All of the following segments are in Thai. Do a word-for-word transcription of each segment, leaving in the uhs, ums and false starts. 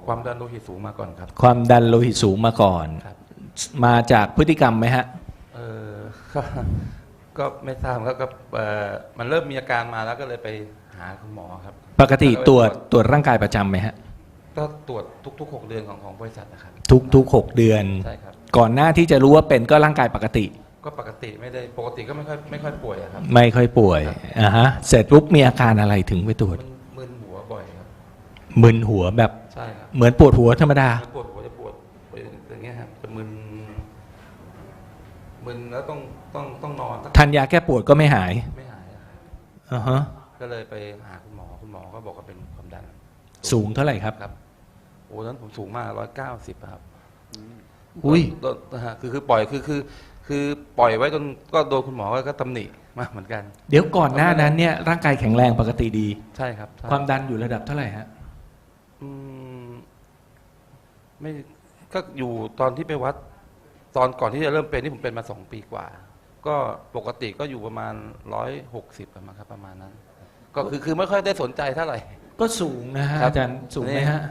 ความดันโลหิตสูงมาก่อนครับความดันโลหิตสูงมาก่อนครับมาจากพฤติกรรมไหมฮะเออก็ก็ไม่ทราบครับก็เออมันเริ่มมีอาการมาแล้วก็เลยไปหาคุณหมอครับปกติตรวจตรวจร่างกายประจำไหมฮะก็ตรวจทุกๆหกเดือนของของบริษัทนะครับทุกทุกหกเดือนใช่ครับก่อนหน้าที่จะรู้ว่าเป็นก็ร่างกายปกติก็ปกติไม่ได้ปกติก็ไม่ค่อยไม่ค่อยป่วยอะครับไม่ค่อยป่วยอ่าฮะเสร็จปุ๊บมีอาการอะไรถึงไปตรวจมันมึนหัวบ่อยครับมึนหัวแบบใช่ครับเหมือนปวดหัวธรรมดาปวดหัวจะปวดอย่างเงี้ยครับจะมึนมึนแล้วต้องต้องต้องนอนสักทานยาแก้ปวดก็ไม่หายไม่หายอะครับอ่าฮะก็เลยไปหาคุณหมอคุณหมอก็บอกว่าเป็นความดันสูงเท่าไหร่ครับครับโอ้ตอนนั้นผมสูงมากร้อยเก้าสิบครับอุ้ยโดนนะฮะคือคือปล่อยคือคือคือปล่อยไว้จนก็โดนคุณหมอก็ตำหนิมากเหมือนกันเดี๋ยวก่อนหน้านั้นเนี่ยร่างกายแข็งแรงปกติดีใช่ครับใช่ความดันอยู่ระดับเท่าไหร่ฮะอืมไม่ก็อยู่ตอนที่ไปวัด ตอนก่อนที่จะเริ่มเป็นที่ผมเป็นมาสองปีกว่า ก็ปกติก็อยู่ประมาณร้อยหกสิบประมาณครับประมาณนั้น ก็คือคือไม่ค่อยได้สนใจเท่าไหร่ก็สูงนะฮะครับอาจารย์สูงไหมฮะ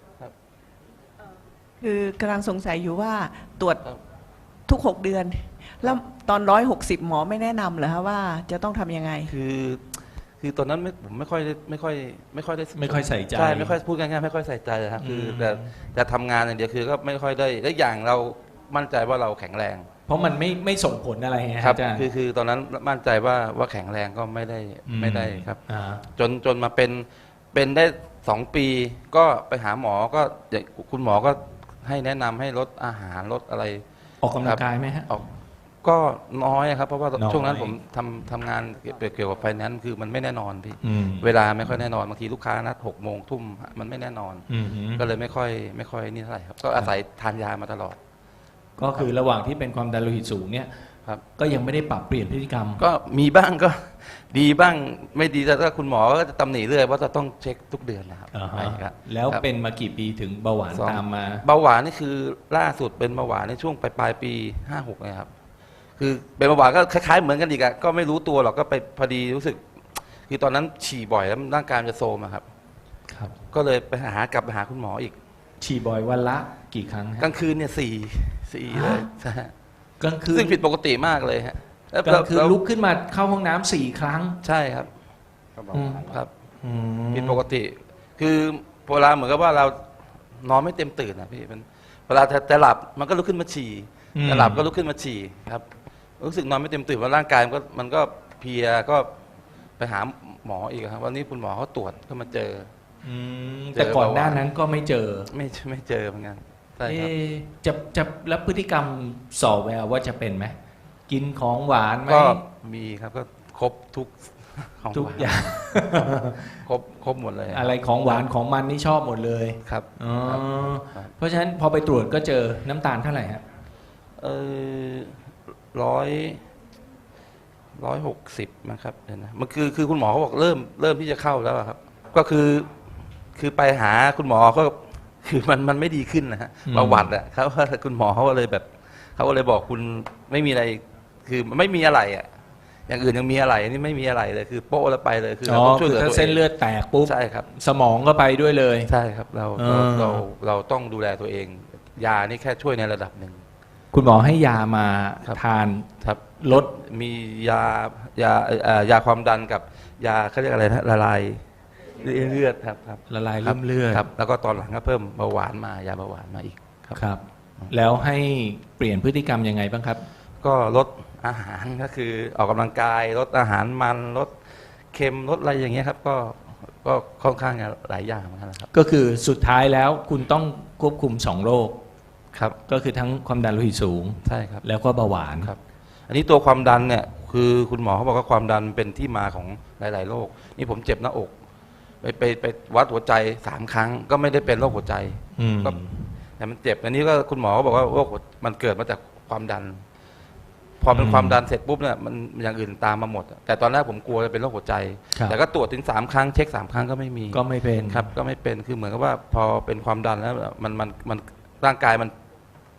คือกำลังสงสัยอยู่ว่าตรวจครับทุกหกเดือน แล้วตอนร้อยหกสิบหมอไม่แนะนำเหรอคะว่าจะต้องทำยังไงคือคือตอนนั้นไม่ผมไม่ค่อยได้ไม่ค่อย ไม่ค่อยได้ไม่ค่อยใส่ใจใช่ไม่ค่อยพูดง่ายๆไม่ค่อยใส่ใจนะครับคืออืมแต่จะทำงานอย่างเดียวคือก็ไม่ค่อยได้และอย่างเรามั่นใจว่าเราแข็งแรงเพราะมันไม่ไม่ส่งผลอะไรไงฮะครับอาจารย์คือคือตอนนั้นมั่นใจว่าว่าแข็งแรงก็ไม่ได้ไม่ได้ครับอ่าจนจนมาเป็นเป็นได้สองปีก็ไปหาหมอก็คุณหมอก็ให้แนะนำให้ลดอาหารลดอะไรออกกำลังกายไหมฮะออกก็น้อยครับเพราะว่าน้อยช่วงนั้นผมทำทำงานเกี่ยวกับไฟแนนซ์คือมันไม่แน่นอนพี่อืมเวลาไม่ค่อยแน่นอนบางทีลูกค้านัดหกโมงทุ่มมันไม่แน่นอนอืมก็เลยไม่ค่อยไม่ค่อยนี่เท่าไหร่ครับก็อาศัยทานยามาตลอดก็คือระหว่างที่เป็นความดันโลหิตสูงเนี่ยครับก็ยังไม่ได้ปรับเปลี่ยนพฤติกรรมก็มีบ้างก็ ดีบ้างไม่ดีแต่ถ้าคุณหมอก็จะตำหนิเรื่อยว่าจะต้องเช็คทุกเดือนนะครับอ่าฮะใช่ครับแล้วครับเป็นมากี่ปีถึงเบาหวานสองตามมาเบาหวานนี่คือล่าสุดเป็นเบาหวานในช่วงปลายปลายปีห้าหกนะครับคือเป็นเบาหวานก็คล้ายๆเหมือนกันอีกอะก็ไม่รู้ตัวหรอกก็ไปพอดีรู้สึก คือตอนนั้นฉี่บ่อยแล้วร่างกายมันจะโทรมอะครับครับก็เลยไปหากลับไปหาคุณหมออีกฉี่บ่อยวันละกี่ครั้งฮะกลางคืนเนี่ยสี่สี่เลยใช่กลางคืนซึ่งผิดปกติมากเลยฮะแล้วกลางคืนแล้วลุกขึ้นมาเข้าห้องน้ำสี่ครั้งใช่ครับอืมครับอืมผิดปกติ คือเวลาเหมือนกับว่าเรานอนไม่เต็มตื่นนะพี่มันเวลาจะจะหลับมันก็ลุกขึ้นมาฉี่อืมจะหลับก็ลุกขึ้นมาฉี่ครับ รู้สึกนอนไม่เต็มตื่นว่าร่างกายมันก็มันก็เพลียก็ไปหาหมออีกครับวันนี้คุณหมอเขาตรวจก็มาเจออืมเจอแต่ก่อนเบาหวานหน้านั้นก็ไม่เจอไม่ไม่เจอเหมือนกันใช่ครับเอ๊ะจะจะแล้วพฤติกรรมสอบแววว่าจะเป็นไหมกินของหวานไหมก็มีครับก็ครบทุกของทุกหวานอย่างครบครบหมดเลยอะไรของหวานของมันนี่ชอบหมดเลยครับอ๋อครับเพราะฉะนั้นพอไปตรวจก็เจอน้ำตาลเท่าไหร่ฮะเออร้อยร้อยหกสิบนะครับเดี๋ยวนะมันคือคือคุณหมอเขาบอกเริ่มเริ่มที่จะเข้าแล้วอะครับ ก็คือคือไปหาคุณหมอก็คือมันมันไม่ดีขึ้นนะฮะอืมประวัติอะเขาคุณหมอเขาก็เลยแบบเขาก็เลยบอกคุณไม่มีอะไร คือไม่มีอะไรอะอย่างอื่นยังมีอะไรอันนี่ไม่มีอะไรเลยคือโป๊ะแล้วไปเลยคืออ๋เราอต้องช่วยคืเหลืออถ้าตัวเส้นเองเลือดแตกปุ๊บใช่ครับสมองก็ไปด้วยเลยใช่ครับเราเอเราอเราเราต้องดูแลตัวเอง ยานี่แค่ช่วยในระดับหนึ่งคุณหมอให้ยามาครับทานครับลดมียายาเอ่อยาความดันกับยาเขาเรียกอะไรนะละลายเลือดครับครับละลายครัริ่มเลือดครับ แล้วก็ตอนหลังก็เพิ่มเบาหวานมายาเบาหวานมาอีกครับครับ แล้วให้เปลี่ยนพฤติกรรมยังไงบ้างครับก็ลดอาหารก็คือออกกำลังกายลดอาหารมันลดเค็มลดอะไรอย่างเงี้ยครับ ก็ก็ค่อนข้างจะหลายอย่างเหมือนกันนะครับก็คือสุดท้ายแล้วคุณต้องควบคุมสองโรคครับก็คือทั้งความดันโลหิตสูงใช่ครับแล้วก็เบาหวานครับ อันนี้ตัวความดันเนี่ยคือคุณหมอเขาบอกว่าความดันเป็นที่มาของหลาย ๆ โรคนี่ผมเจ็บหน้าอก ไปไปไปวัดหัวใจสามครั้งก็ไม่ได้เป็นโรคหัวใจอืมก็ แต่มันเจ็บอันนี้ก็คุณหมอก็บอกว่าโรคหัวมันเกิดมาจากความดัน พอเป็นความดันเสร็จปุ๊บเนี่ยมันอย่างอื่นตามมาหมด แต่ตอนแรกผมกลัวจะเป็นโรคหัวใจครับแต่ก็ตรวจถึงสามครั้งเช็คสามครั้งก็ไม่มีก็ไม่เป็นครับ ก็ไม่เป็นคือเหมือนกับว่าพอเป็นความดันแล้วมันมันมันร่างกายมัน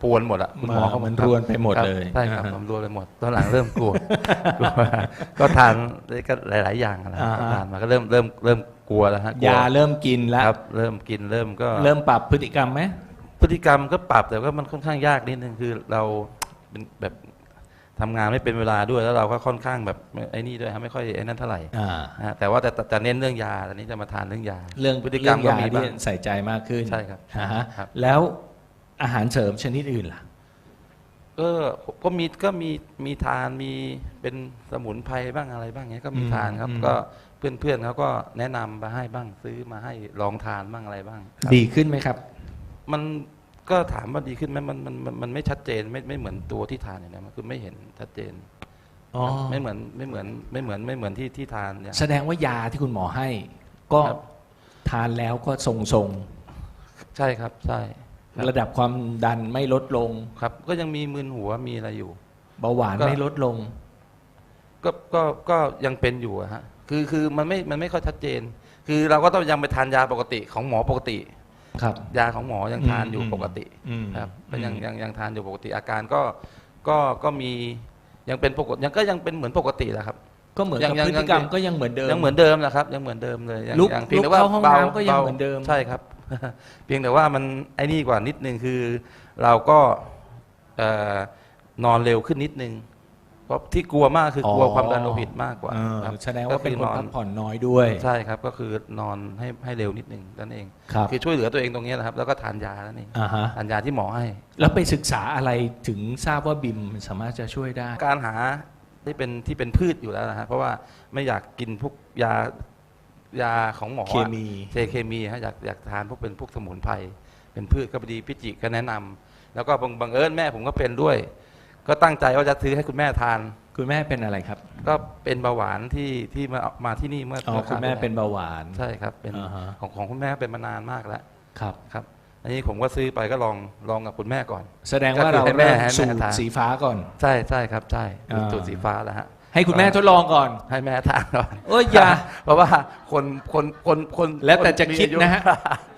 ปวนหมดอะคุณหมอเขาเหมือนรวนไปหมดครับเลยใช่ครับอ่าฮะผมรวนไปหมดตอนหลังเริ่มกลัว กลัวก็ทานก็หลาย ๆ อย่างนะอ่าฮะก็ทานมาก็เริ่มเริ่มเริ่มกลัวแล้วฮะกลัวยาเริ่มกินแล้วครับเริ่มกินเริ่มก็เริ่มปรับพฤติกรรมไหมพฤติกรรมก็ปรับแต่ว่ามันค่อนข้างยากนิดนึงคือเราเป็นแบบทำงานไม่เป็นเวลาด้วยแล้วเราก็ค่อนข้างแบบไอ้นี่ด้วยฮะไม่ค่อยไอ้นั่นเท่าไหร่อ่านะฮะแต่ว่าแต่แต่จะเน้นเรื่องยาตอนนี้จะมาทานเรื่องยาเรื่องพฤติกรรมเรื่องก็ยามีบ้างที่ใส่ใจมากขึ้นใช่ครับอ่าฮะครับแล้วอาหารเสริมชนิดอื่นล่ะก็ก็มีก็มีมีทานมีเป็นสมุนไพรบ้างอะไรบ้างเงี้ยก็มีอืมทานครับอืมก็เพื่อนเพื่อนเขาก็แนะนำมาให้บ้างซื้อมาให้ลองทานบ้างอะไรบ้างครับดีขึ้นไหมครับมันก็ถามว่าดีขึ้นไหมมันมันมันมันไม่ชัดเจนไม่ไม่เหมือนตัวที่ทานอย่างนี้มันคือไม่เห็นชัดเจนอ๋อไม่เหมือนไม่เหมือนไม่เหมือนไม่เหมือนที่ที่ทานเนี่ยแสดงว่ายาที่คุณหมอให้ ก็ครับทานแล้วก็ทรงใช่ครับใช่ครับๆระดับความดันไม่ลดลงครับ ก็ยังมีมึนหัวมีอะไรอยู่เบาหวานก็ไม่ลดลงก็ก็ก็ยังเป็นอยู่อะฮะคือคือมันไม่มันไม่ค่อยชัดเจน คือเราก็ต้องยังไปทานยาปกติของหมอปกติครับยาของหมอยังทานอยู่อืมปกติอืมครับก็ยังอืมยังยังทานอยู่ปกติ อาการก็ก็ก็มียังเป็นปกติยังก็ยังเป็นเหมือนปกติแหละครับก็เหมือนยักับงยังพฤติกรรมก็ยังเหมือนเดิมยังเหมือนเดิมนะครับยังเหมือนเดิมเลยยังลุกยังเพียงลุแต่กว่าเข้าห้องบน้ำก็ยังเหมือนเดิมใช่ครับ เพียงแต่ว่ามันไอ้นี่กว่านิดนึงคือ เราก็เอ่อนอนเร็วขึ้นนิดนึงเพราะที่กลัวมากคือกลัวความดันโลหิตมากกว่าเออครับแสดงว่าเป็นคนก็อพักผ่อนน้อยด้วยใช่ครับก็คือนอนให้ให้เร็วนิดนึงนั่นเองครับคือช่วยเหลือตัวเองตรงนี้นะครับ แล้วก็ทานยานั่นเองอ่าฮะทานยาที่หมอให้แล้วไปศึกษาอะไรถึงทราบว่าบิมสามารถจะช่วยได้การหาที่เป็นที่เป็นพืชอยู่แล้วนะฮะเพราะว่าไม่อยากกินพวกยายาของหมอเคมีเจเคมีฮะอยากอยากทานพวกเป็นพวกสมุนไพรเป็นพืชก็พอดีพิจิก็แนะนำแล้วก็บังบังเอิญแม่ผมก็เป็นด้วย ก็ตั้งใจว่าจะซื้อให้คุณแม่ทานคุณแม่เป็นอะไรครับก็เป็นเบาหวานที่ที่มามาที่นี่เมื่ออ๋อเมื่คุณแม่ราวที่เป็นเบาหวานใช่ครับเป็นอ่าฮะของของคุณแม่เป็นมานานมากแล้วครับครับอันนี้ผมก็ซื้อไปก็ลองลองกับคุณแม่ก่อนแสดงว่าเราก็คือให้แม่เริ่มให้แม่สูตรทานสีฟ้าก่อนใช่ใช่ครับใช่อ่าสูตรสีฟ้าแล้วฮะให้คุณแม่ทดลองก่อนให้แม่ทานก่อนเอ้ยอย่าเพราะว่าคนคนคนคนแล้วแต่จะมีคิดอายุนะฮะ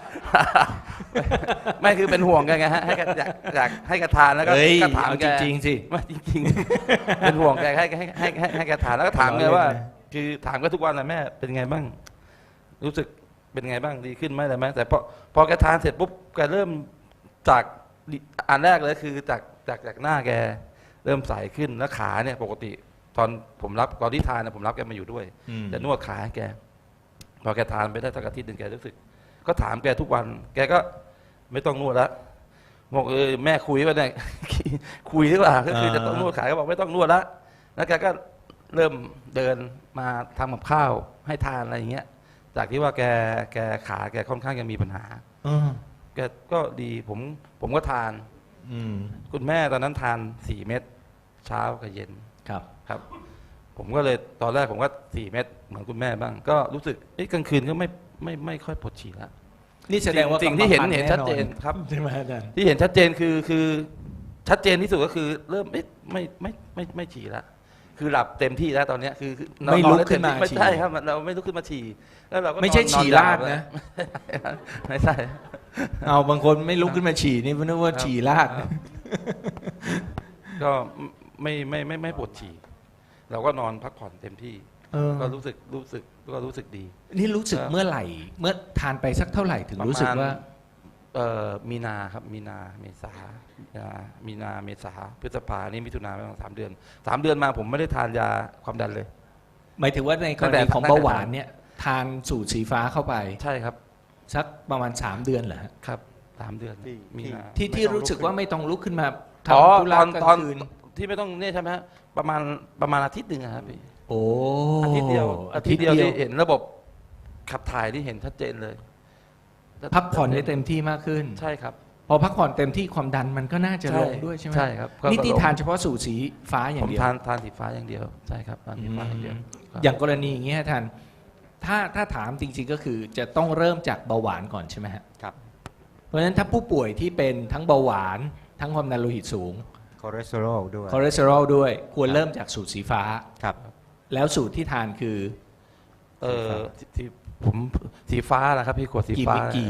ไม่คือเป็นห่วงกันไงฮะให้แกอยากอยากให้แกทานแล้วก็เฮ้ยก็ถามเอาแกจริงๆสิไม่จริงๆ เป็นห่วงแกให้ให้ให้ให้ให้แกทานแล้วก็ถามแกว่าเอาเล่นนะคือถามแกทุกวันนะแม่เป็นไงบ้าง รู้สึกเป็นไงบ้างดีขึ้นไหมอะไรไหมแต่พอพอแกทานเสร็จปุ๊บแกเริ่มจากอันแรกเลยคือจากจากจากหน้าแกเริ่มใสขึ้นแล้วขาเนี่ยปกติ ตอนผมรับตอนที่ทานนะผมรับแกมาอยู่ด้วยอืมจะนวดขาให้แก พอแกทานไปได้สักอาทิตย์หนึ่งแกรู้สึก ก็ถามแกทุกวัน แกก็ไม่ต้องนวดละบอกเออแม่คุยว่าเนี่ย คุยหรือเปล่าก็คือจะต้องนวดขาก็บอกไม่ต้องนวดละแล้วแกก็เริ่มเดินมาทำกับข้าวให้ทานอะไรอย่างเงี้ย จากที่ว่าแกแกขาแกค่อนข้างจะมีปัญหาอืมแกก็ดีผมผมก็ทานอืมคุณแม่ตอนนั้นทานสี่เม็ดเช้ากับเย็นครับครับ ผมก็เลยตอนแรกผมก็สี่เม็ดเหมือนคุณแม่บ้าง ก็รู้สึกเอ้ยกลางคืนก็ไม่ไม่ไม่ค่อยปวดฉี่แล้วนี่แสดงว่าสิ่งที่เห็นกรรมพัเห็นธุ์ชัดเจนแอครับใช่ไหมอาจารย์ที่เห็นชัดเจนคือคือชัดเจนที่สุดก็คือเริ่มไม่ไม่ไม่ไม่ไม่ฉี่แล้วคือหลับเต็มที่แล้วตอนเนี้ยคือคือไม่ลุกขึ้นมาไม่ฉี่ใช่ครับเราไม่ลุกขึ้นมาฉี่แล้วเราก็ไม่ใช่นอนฉี่นอนราดยาวนะไม่ใช่เอาบางคนไม่ลุกขึ้นมาฉี่นี่นึกว่าครับฉี่ราดครับ ก็ไม่ไม่ไม่ไม่ปวดฉี่เราก็นอนพักผ่อนเต็มที่เออก็รู้สึกรู้สึกก็รู้สึกดีนี่รู้สึกครับเมื่อไหร่ เมื่อทานไปสักเท่าไหร่ถึงรู้สึกว่าเอ่อมีนาครับมีนาเมษาอ่ามีนาเมษาพฤษภานี่มิถุนาประมาณสามเดือนสามเดือนมาผมไม่ได้ทานยาความดันเลยหมายถึงว่าในกตั้รงแต่ณีของตั้งแต่เบาหวานเนี่ยทานสูตรสีฟ้าเข้าไปใช่ครับสักประมาณสามเดือนเหรอฮะครับสามเดือนที่มีนาที่ที่รู้สึกว่าไม่ต้องลุกขึ้นมาอ๋อทำธุระตอนกลาตอนงคืนที่ไม่ต้องเนี่ยใช่ไหมฮะประมาณประมาณอาทิตย์หนึ่งอะครับพี่โอ้อาทิตย์เดียวอาทิตย์เดียวอาทิที่ตย์เดียวเห็นระบบขับถ่ายที่เห็นชัดเจนเลยพักผ่อนได้เต็มที่มากขึ้นใช่ครับพอพักผ่อนเต็มที่ความดันมันก็น่าจะลงด้วยใช่ไหมใช่ครับก็นี่ที่ก็ลงทานเฉพาะสูตรสีฟ้าอย่าผงมเดียวทานทานสีฟ้าอย่างเดียวใช่ครับทานสีฟ้าอย่างเดียวครับอย่างกรณีอย่างเงี้ยท่านถ้าถ้าถามจริงๆก็คือจะต้องเริ่มจากเบาหวานก่อนใช่ไหมฮะครับเพราะฉะนั้นถ้าผู้ป่วยที่เป็นทั้งเบาหวาน ทั้งความดันโลหิตสูงคอเลสเตอรอลด้วยคอเลสเตอรอลด้วย ควรเริ่มจากสูตรสีฟ้าครับแล้วสูตรที่ทานคือเออที่ที่ผมสีฟ้าแหละครับพี่ขวดสีกี่ฟ้ากี่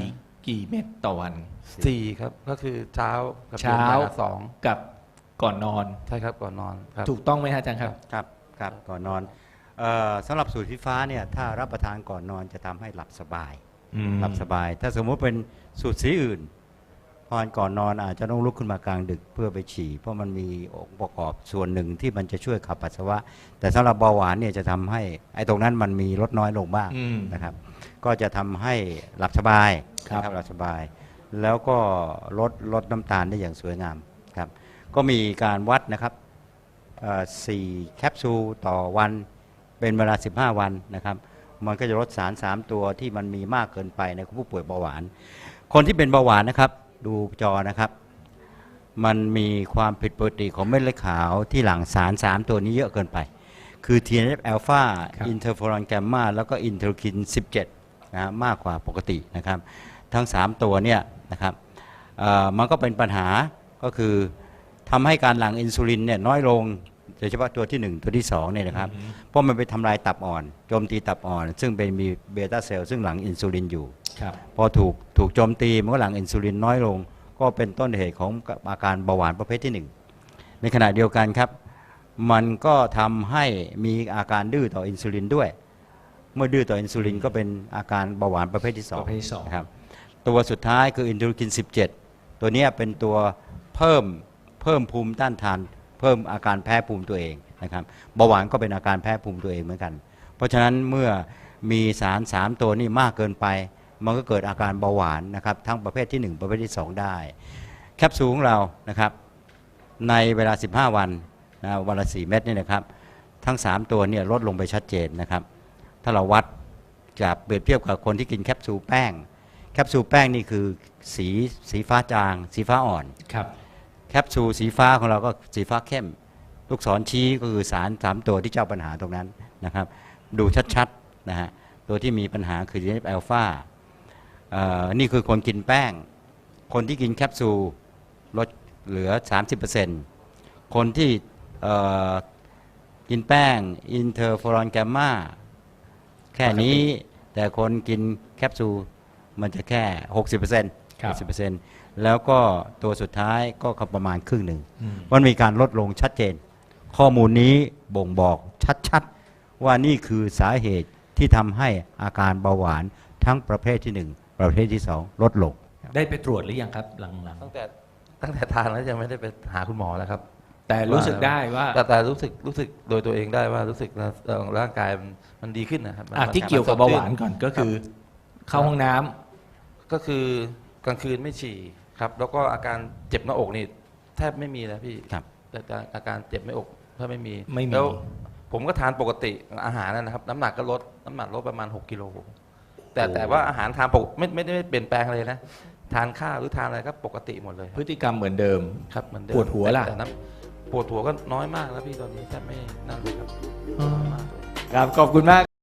กี่เม็ดต่อวันสี่ครับก็คือเช้ากับเช้าย็นบ่ยสองกับก่อนนอนใช่ครับก่อนนอนครับถูกต้องไหมฮะอาจารย์ครับครับครับก่อนนอนเอ่อสำหรับสูตรสีฟ้าเนี่ยถ้ารับประทานก่อนนอนจะทำให้หลับสบายอืมหลับสบาย ถ้าสมมุติเป็นสูตรสีอื่นพอก่อนนอนอาจจะต้องลุกขึ้นมากลางดึกเพื่อไปฉี่เพราะมันมีองค์ประกอบส่วนหนึ่งที่มันจะช่วยขับปัสสาวะ แต่สำหรับเบาหวานเนี่ยจะทำให้ไอ้ตรงนั้นมันมีลดน้อยลงบ้างอืมนะครับ ก็จะทำให้หลับสบายครับนะหลับสบาย แล้วก็ลดลดน้ำตาลได้อย่างสวยงามครับก็มีการวัดนะครับเอ่อสี่แคปซูลต่อวันเป็นเวลาสิบห้าวันนะครับมันก็จะลดสารสามตัวที่มันมีมากเกินไปในผู้ป่วยเบาหวาน คนที่เป็นเบาหวานนะครับดูจอนะครับมันมีความผิดปกติของเม็ดเลือดขาวที่หลั่งสารสามตัวนี้เยอะเกินไป คือ ที เอ็น เอฟ อัลฟาครับอินเทอร์เฟอรอนแกมมาแล้วก็อินเทอร์คินสิบเจ็ดนะฮะมากกว่าปกตินะครับทั้งสามตัวเนี่ยนะครับเอ่อมันก็เป็นปัญหาก็คือทำให้การหลั่งอินซูลินเนี่ยน้อยลงโดยเฉพาะตัวที่หนึ่งตัวที่สองเนี่ยนะครับอืมเพราะมันไปทำลายตับอ่อนโจมตีตับอ่อน ซึ่งเป็นมีเบต้าเซลล์ซึ่งหลั่งอินซูลินอยู่ครับพอถูกถูกโจมตีมันก็หลั่งอินซูลินน้อยลง ก็เป็นต้นเหตุของอาการเบาหวานประเภทที่หนึ่งในขณะเดียวกันครับ มันก็ทำให้มีอาการดื้อต่ออินซูลินด้วย เมื่อดื้อต่ออินซูลินก็เป็นอาการเบาหวานประเภทที่สองประเภทที่สองนะครับตัวสุดท้ายคืออินเทอร์คินสิบเจ็ดตัวเนี้ยเป็นตัวเพิ่มเพิ่มภูมิต้านทาน เพิ่มอาการแพ้ภูมิตัวเองนะครับเบาหวานก็เป็นอาการแพ้ภูมิตัวเองเหมือนกัน เพราะฉะนั้นเมื่อมีสารสามตัวนี้มากเกินไป มันก็เกิดอาการเบาหวานนะครับทั้งประเภทที่หนึ่งประเภทที่สองได้ แคปซูลของเรานะครับในเวลาสิบห้าวันนะวันละสี่เม็ดนี่นะครับทั้งสามตัวเนี่ยลดลงไปชัดเจนนะครับถ้าเราวัดจากเปรียบเทียบกับคนที่กินแคปซูลแป้งแคปซูลแป้งนี่คือสีสีฟ้าจาง สีฟ้าอ่อนครับแคปซูลสีฟ้าของเราก็สีฟ้าเข้ม ลูกศรชี้ก็คือสารสามตัวที่เจ้าปัญหาตรงนั้นนะครับดูชัดๆนะฮะตัวที่มีปัญหาคือ ที เอ็น เอฟ อัลฟานี่คือคนกินแป้ง คนที่กินแคปซูลลดเหลือ สามสิบเปอร์เซ็นต์ คนที่เอ่อกินแป้งอินเทอร์ฟอรอนแกมมาแค่นี้แต่คนกินแคปซูลมันจะแค่ หกสิบเปอร์เซ็นต์ครับหกสิบเปอร์เซ็นต์ แล้วก็ตัวสุดท้ายก็ประมาณครึ่งหนึ่งอืมมันมีการลดลงชัดเจน ข้อมูลนี้บ่งบอกชัดๆ ว่านี่คือสาเหตุที่ทำให้อาการเบาหวานทั้งประเภทที่หนึ่งประเภทที่สองลดลงได้ไปตรวจหรือยังครับหลังตั้งแต่ตั้งแต่ทานแล้วยังไม่ได้ไปหาคุณหมอแล้วครับๆ แต่รู้สึกได้ว่าแต่แต่รู้สึกรู้สึกโดยตัวเองได้ว่ารู้สึกนะเอ่อร่างกายมันมันดีขึ้นนะครับมันอ่ะมันที่เกี่ยวกับมัเบาหวานสดชื่ก่อนก็คือเข้าห้องน้ำก็คือกลางคืนไม่ฉี่ครับ แล้วก็อาการเจ็บหน้าอกนี่แทบไม่มีนะพี่ครับแต่แต่อาการเจ็บหน้าอกแทบไม่มีไม่มีแล้วผมก็ทานปกติอาหารนะครับ น้ำหนักก็ลดน้ำหนักลดประมาณหกกิโลแต่แต่ว่าอาหารทานปกไม่ไม่ได้เปลี่ยนแปลงเลยนะทานข้าวหรือทานอะไรก็ปกติหมดเลยพฤติกรรมเหมือนเดิมครับเหมือนเดิมปวดหัวล่ะแต่น้ำปวดหัวก็น้อยมากแล้วพี่ตอนนี้แทบไม่นั่นเลยครับน้อยมากเลยครับขอบคุณมาก